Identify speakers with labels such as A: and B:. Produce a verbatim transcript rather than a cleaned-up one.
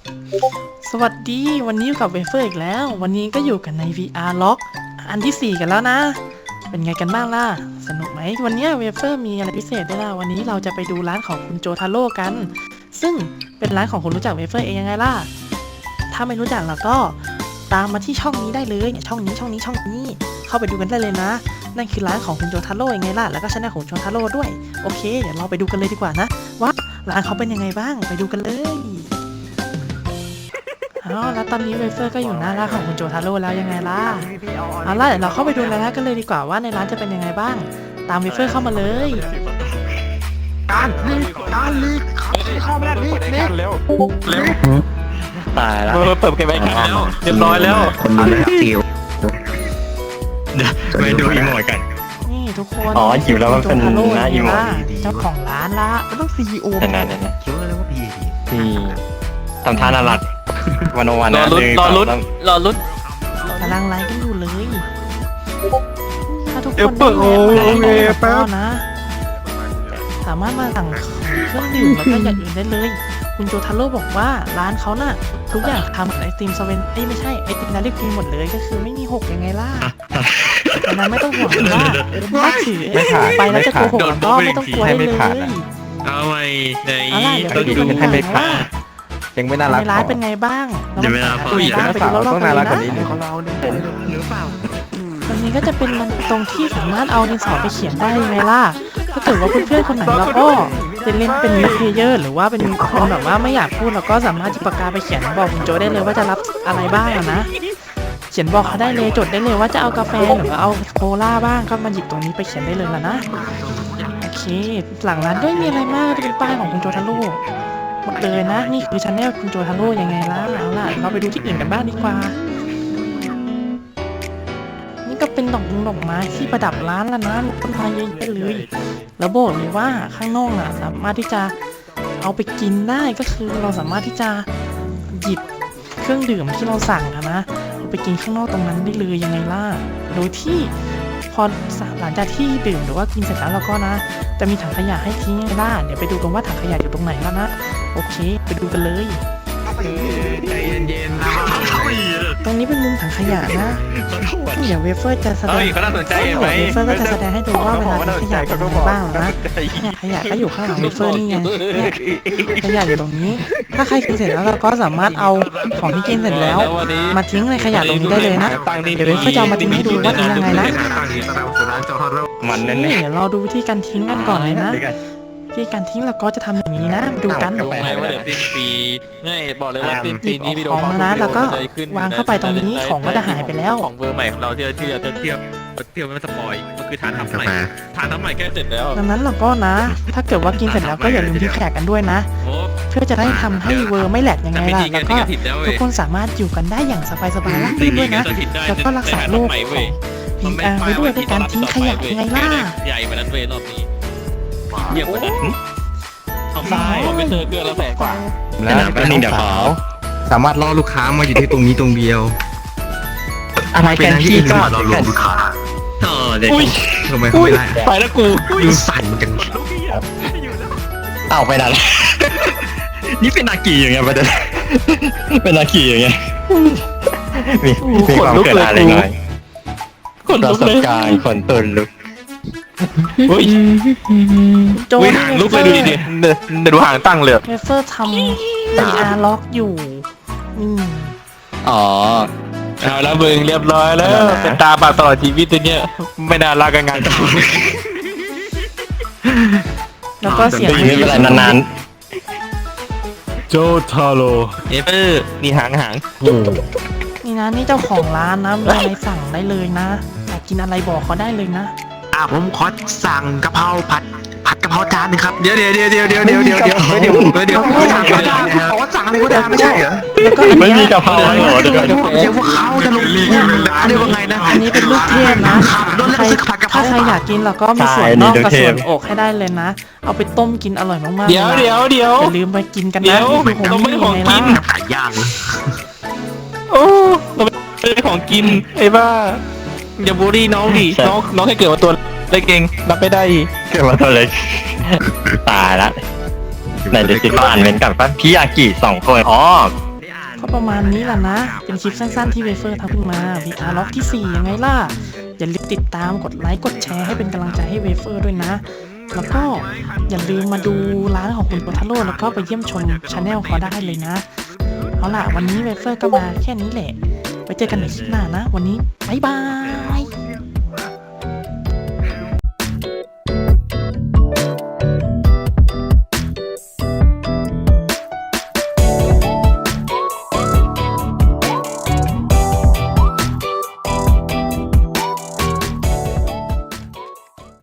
A: สวัสดีวันนี้อยู่กับเวเฟอร์อีกแล้ววันนี้ก็อยู่กันใน วี อาร์ Lock อันที่สี่กันแล้วนะ เป็นไงกันบ้างล่ะสนุกไหมวันนี้เวเฟอร์มีอะไรพิเศษด้วยล่ะวันนี้เราจะไปดูร้านของคุณโจทาโร่กัน ซึ่งเป็นร้านของคนรู้จักเวเฟอร์เองยังไงล่ะถ้าไม่รู้จักแล้วก็ตามมาที่ช่องนี้ได้เลยเนี่ยช่องนี้ช่องนี้ช่องนี้เข้าไปดูกันได้เลยนะนั่นคือร้านของคุณโจทาโร่ยังไงล่ะแล้วก็ช่องของโจทาโร่ด้วยโอเคเดี๋ยวเราไปดูกันเลยดีกว่านะว่าร้านเขาเป็นยังไงบ้างไปดูกันเลยอ๋อแล้วตอนนี้เวเฟอร์ก็อยู่หน้าร้านของคุณโจทาโร่แล้วยังไงล่ะเอาล่ะเดี๋ยวเราเข้าไปดูในร้านกันเลยดีกว่าว่าในร้านจะเป็นยังไงบ้างตามเวเฟอร์เข้ามาเลย
B: การลีกการลีกเข้ามาแล้วลีกลีกเร็วเร็ว
C: ตายแล้ว
B: เปิดเกมไว้กันแล้วเรียบร้อยแล้ว
C: คนดูแล้วจิวเดี๋ยวไปดูอีโมดกัน
A: นี่ทุกคน
C: อ๋อจิวแล้วมันเป็นหน้าอีโมด
A: เจ้าของร้านละมันต้องซีอีโอ
C: นั่นนั่นนั่นคิดว่าเรียกว่าพีพีทำท่าน่ารักวันวันนะ
B: รอลุ้นรอลุ้น
A: กำลังไลฟ์กันอยู่เลยถ้าทุกคนได้ไลฟ์นะสามารถมาสั่งเครื่องดื่มแล้วก็อย่างอื่นได้เลยคุณโจทาโร่บอกว่าร้านเขาน่ะทุกอย่างทำไอติมสเวนไอไม่ใช่ไอติมนาริกีหมดเลยก็คือไม่มีหกยังไงล่ะดังนั้นไม่ต้องห่วงว่าถ้าถือไปแล้วจะโกหกก็ไม่ต้องกลัวได้เลย
B: เอาไว้ใน
A: ต้องดูให้ไม่ผ่าน
C: ยังไม่น่ารัก
A: ในร้านเป็นไงบ้าง
B: เดี๋ยวเวลา
A: เขาอยากไปดูรอบๆกันนะของเราหรือเปล่าวันนี้ก็จะเป็นมันตรงที่สามารถเอาดินสอไปเขียนได้ยังไงล่ะถ้าเกิดว่าเพื่อนๆคนไหนเราก็จะเล่นเป็นมิดเพลเยอร์หรือว่าเป็นคนแบบว่าไม่อยากพูดเราก็สามารถจิบปากกาไปเขียนบอกคุณโจได้เลยว่าจะรับอะไรบ้างนะเขียนบอกเขาได้เลยจดได้เลยว่าจะเอากาแฟหรือว่าเอาโคลาบ้างก็มาหยิบตรงนี้ไปเขียนได้เลยล่ะนะโอเคหลังร้านก็ไม่มีอะไรมากจะเป็นป้ายของคุณโจทาโร่หมดเลยนะนี่คือชาแนลคุณโจทาโร่ยังไงล่ะเอาล่ะเราไปดูที่อื่นกันบ้างดีกว่านี่ก็เป็นดอกดอกไม้ที่ประดับร้านละนะต้นไม้เยอะๆเลยแล้วบอกเลยว่าข้างนอกน่ะสามารถที่จะเอาไปกินได้ก็คือเราสามารถที่จะหยิบเครื่องดื่มที่เราสั่งนะเอาไปกินข้างนอกตรงนั้นได้เลยยังไงล่ะโดยที่พอหลังจากที่ดื่มหรือว่ากินเสร็จแล้วเราก็นะจะมีถังขยะให้ทิ้งยังไงล่ะเดี๋ยวไปดูกันว่าถังขยะอยู่ตรงไหนแล้วนะโอเคไปดูกันเลย
B: ใจเย็นๆนะ
A: ตรงนี้เป็นมุมถังขยะนะเดี๋ยวเวเฟอร์จะแสดง
B: เขาน่าสนใจไหม
A: เวเฟอร์ก็จะแสดงให้ดูว่าเวลาถังขยะเป็นยังไงบ้างนะเนี่ยขยะก็อยู่ข้างหลังเวเฟอร์นี่ไงเนี่ยขยะอยู่ตรงนี้ถ้าใครกินเสร็จแล้วเราก็สามารถเอาของที่กินเสร็จแล้วมาทิ้งในขยะตรงนี้ได้เลยนะเดี๋ยวเวเฟอร์จะเอามาทิ้งให้ดูว่าทิ้งยังไงนะ
C: มันแน่
A: ๆเดี๋ยวเราดูวิธีการทิ้งกันก่อนเลยนะวิธีการทิ้งเราก็จะทำอย่างนี้นะดูกัน
B: รู้ไหมว่าเดี๋ยวสิ้นปีง่ายบอกเลยว่าสิ้นปีนี้วิดีโอ
A: ของนะแล้วก็วางเข้าไปตรงนี้ของก็จะหายไปแล้ว
B: ของเบอร์ใหม่ของเราที่เราที่เราจะเทียบเทียบไม่สปอยก็คือทานทำใหม่ทานทำใหม่แค่เสร็จแล้ว
A: ดังนั้นเราก็นะถ้าเกิดว่ากินเสร็จแล้วก็อย่าลืมที่แขกกันด้วยนะเพื่อจะได้ทำให้เวอร์ไม่แหลกยังไงล่ะแล้วก็ทุกคนสามารถอยู่กันได้อย่างสบายๆราบรื่นด้วยนะแล้วก็รักษาโรคของ พี อาร์ ไว้ด้วยด้วยการทิ้งขยะยังไงล่ะ
B: ใหญ่มานั้นเวรอบนี้เยี่ยมเลยเอาไปไม่เจอเกินละแสนกว่า
C: แล้วก็นิ่งเดี๋ยวเขาสามารถล่อลูกค้ามาอยู่ที่ตรงนี้ตรงเดียว
A: อะไรกันพี่ก็
C: เราลงลูกค้าเออเด็กทำไมเขาไม่ได้
B: ไปแล้วกู
C: ดูสั่นจังเอาไปนั่นนี่เป็นนากีอย่างเงี้ยประเด็นเป็นนากีอย่างเงี้ยมีมีความเกิดอะไรหน่อย
B: คนลุกเลย
C: ขนตุนลุก
B: อุ้ย
A: โจน
B: ลุกเลยดูดิเดี๋ยวดูหางตั้งเลย
A: เวเฟอร์ทำ วี อาร์ ล็อกอยู่อืม
C: อ๋อ
B: เอาแล้วมึงเรียบร้อยแล้วเป็นตาบาดตลอดชีวิตตัวเนี้ยไม่น่ารักกันงาน
A: แล้วก็เสียง
C: ไม่เป็นไรนาน
B: ๆโจทาโร่เอเปอร์นี่หางหาง
A: นี่นะนี่เจ้าของร้านนะมีอะไรสั่งได้เลยนะอยากกินอะไรบอกเขาได้เลยนะ
D: อ่าผมขอสั่งกะเพราผัดผัดกะเพราจานนึงครับเดี๋ยวเดี๋ยวเดี๋ยวเดี๋ยวเดี๋ยวเดี๋ยวเดี๋ยวเดี๋ยวเดี๋ยวเดี๋ยวสั่งก็ได้ขอสั่งอะไรก็ได้ไม่ใช่เหรอ
C: ไม่มีกะเพราเหรอเดี๋ยว
D: เดี๋ยวพวกเขาจะลงรีวิวร้านได้ว่าไงนะ
A: อันนี้เป็นลูกเทพนะใครถ้าใครอยากกินเราก็มีส่วนนอกกับส่วนอกให้ได้เลยนะเอาไปต้มกินอร่อยมากๆ
B: เดี๋ยวเดี๋ยวเดี๋ยว
A: อย่าลืมไปกินกันนะ
B: เราไม่ได้ของกิน
D: ไก่ย่าง
B: โอ้เราไม่ได้ของกินไอ้บ้าอย่าบูลลี่น้องดิน้องน้องแค่เกิดมาตัวเล็กเองรับไม่ได้
C: เกิดมาตัวเล็กตายละไหนจะติดอ่านเป็นกับพี่ยากิสองคนอ๋อ
A: ก็ประมาณนี้แหละนะ เป็นคลิปสั้นๆที่เวเฟอร์ทำขึ้นมา วี อาร์ ล็อกที่สี่ยังไงล่ะ อย่าลืมติดตามกดไลค์กดแชร์ให้เป็นกำลังใจให้เวเฟอร์ด้วยนะ แล้วก็อย่าลืมมาดูร้านของคุณโปทาโร่แล้วก็ไปเยี่ยมชมชาแนลเขาได้เลยนะ เอาล่ะวันนี้เวเฟอร์ก็มาแค่นี้แหละ ไว้เจอกันในคลิปหน้านะ วันนี้บ๊ายบาย